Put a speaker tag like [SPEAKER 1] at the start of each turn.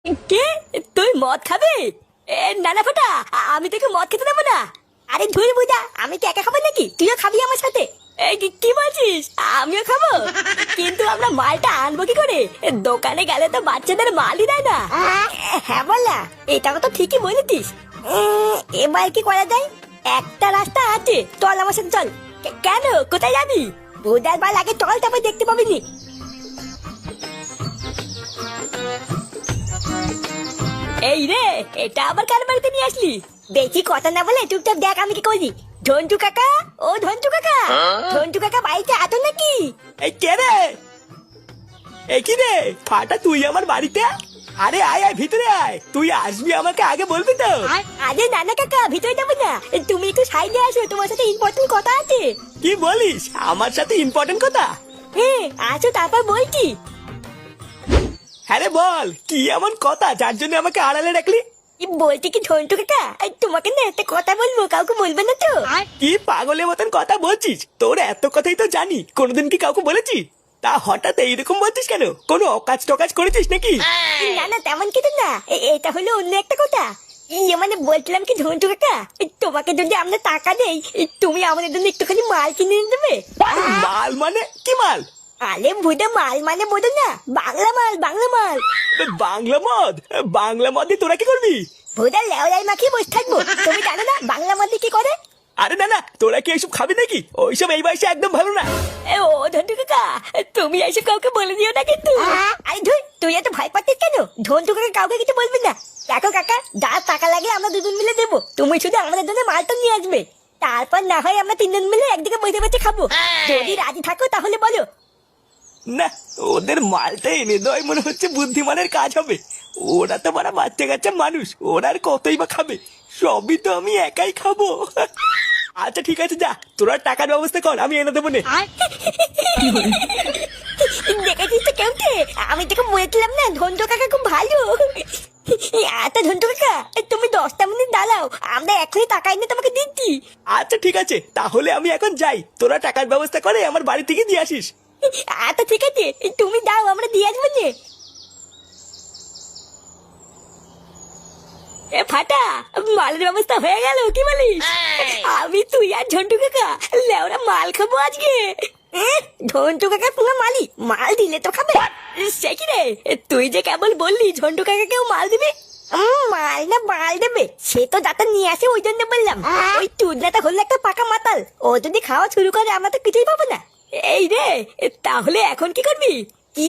[SPEAKER 1] কে? তুই মদ খাবি? না না ফোটা, আমি তোকে মদ খেতে দেবো না। আরে ধুর বুঝা, আমি কি একা খাবো নাকি? তুইও খাবি আমার সাথে? কি বলছিস? আমিও খাবো? কিন্তু আমরা মালটা আনবো কি করে? দোকানে গেলে তো বাচ্চাদের মালই দেয় না। হ্যাঁ বললা, এটা তো ঠিকই বলেছিস। এবার কি করা যায়? একটা রাস্তা আছে, চল আমার সাথে চল। কেন, কোথায় যাবি? বুধার বাল আগে চল, তারপর দেখতে পাবি নি। এই রে, এটা আবার কার বাড়িতে নিয়ে আসলি? বেশি কথা না বলে চুপচাপ দেখ আমি কি করি। ঝন্টু কাকা, ও ঝন্টু কাকা, ঝন্টু কাকা বাড়িতে আতো নাকি?
[SPEAKER 2] এই কে রে? এই কি রে ফাটা, তুই আমার বাড়িতে? আরে আয় আয়, ভিতরে আয়। তুই আসবি আমাকে আগে বলবি তো।
[SPEAKER 1] আরে নানা কাকা, ভিতরে যাবো না, তুমি একটু সাইডে আসো, তোমার সাথে ইম্পর্টেন্ট কথা আছে।
[SPEAKER 2] কি বলিস? আমার সাথে ইম্পর্টেন্ট কথা?
[SPEAKER 1] হ্যাঁ আসো, তারপর বলছি।
[SPEAKER 2] হ্যাঁ রে বল, কি এমন কথা যার জন্য আমাকে আড়ালে রাখলি?
[SPEAKER 1] বলছি কি ঝন্টু কাকা, তোমাকে না একটা কথা বলবো, কাউকে বলবে না তো?
[SPEAKER 2] কি পাগলের মতন কথা বলছিস? তোর এত কথাই তো জানি, কোনোদিন কি কাউকে বলেছিস? তা হঠাৎ এইরকম বলছিস কেন? কোনো অকাজ টকাজ করেছিস নাকি?
[SPEAKER 1] না না, তেমন কিছু না, এটা হলো অন্য একটা কথা। ইয়ে মানে বলছিলাম কি ঝন্টু কাকা, তোমাকে যদি আমরা টাকা দেই, তুমি আমাদের জন্য একটুখানি মাল কিনে এনে দেবে।
[SPEAKER 2] মাল মানে কি মাল?
[SPEAKER 1] আরে ভুদা, মাল মানে বোঝো না, বাংলা মাল, বাংলা মাল।
[SPEAKER 2] বাংলা মদ? বাংলা মদ দিয়ে তোরা কি করবি?
[SPEAKER 1] ভুদা লেওলাই মাখিয়ে বসে থাকবো? তুমি জানো না বাংলা মদ দিয়ে কি করে?
[SPEAKER 2] আরে না না, তোরা কি এইসব খাবি নাকি? ওইসব এই বয়সে একদম ভালো না।
[SPEAKER 1] ও ঝন্টু কাকা, তুমি এইসব কাউকে বলে দিও না কিন্তু। আরে ধুই, তুই এত ভয় পাচ্ছিস কেন? ঝন্টু কাকা কাউকে কিছু বলবি না। দেখো কাকা, যা টাকা লাগে আমরা দুজন মিলে দেবো, তুমি শুধু আমাদের জন্য মালটা নিয়ে আসবে। তারপর না হয় আমরা তিনজন মিলে একদিকে বসে বসে খাবো। যদি রাজি থাকো তাহলে বলো।
[SPEAKER 2] না, ওদের মালটা এনে দেওয়াই মনে হচ্ছে বুদ্ধিমানের কাজ হবে। ওরা তো বড় বাচ্চা কাচ্চা মানুষ, ওরা আর কতই বা খাবে। সবই তো আমি একাই খাবো। আচ্ছা ঠিক আছে, যা তোরা টাকার ব্যবস্থা কর, আমি এনে দেবো নে।
[SPEAKER 1] দেখেছিস তো কেমতে, আমি তোকে বলেছিলাম না ঝন্টু কাকা খুব ভালো। আচ্ছা ঝন্টু কাকা, তুমি 10টা মিনিট দাঁড়াও, আমরা এখনই টাকা এনে তোমাকে দিচ্ছি।
[SPEAKER 2] আচ্ছা ঠিক আছে, তাহলে আমি এখন যাই। তোরা টাকার ব্যবস্থা করে আমার বাড়ি থেকে দিয়ে আসিস।
[SPEAKER 1] আচ্ছা ঠিক আছে, তুমি দাও, আমরা দিয়ে আসবো নে। এ ফাটা, মালের ব্যবস্থা হয়ে গেল, কি বলিস? আমি তুই আর ঝন্টু কাকা লেওরা মাল খাবো আজকে। ঝন্টু কাকা পুরো মালি, মাল দিলে তো খাবে। সে কি রে, তুই যে কেবল বললি ঝন্টু কাকাকেও মাল দিবি। মাল না মাল দেবে, সে তো যাতে নিয়ে আসে ওই জন্য বললাম। ওই চুদনাটা হলো একটা পাকা মাতাল, ও যদি খাওয়া শুরু করে আমরা তো কিছুই পাবো না। এই রে, তাহলে এখন কি করবি?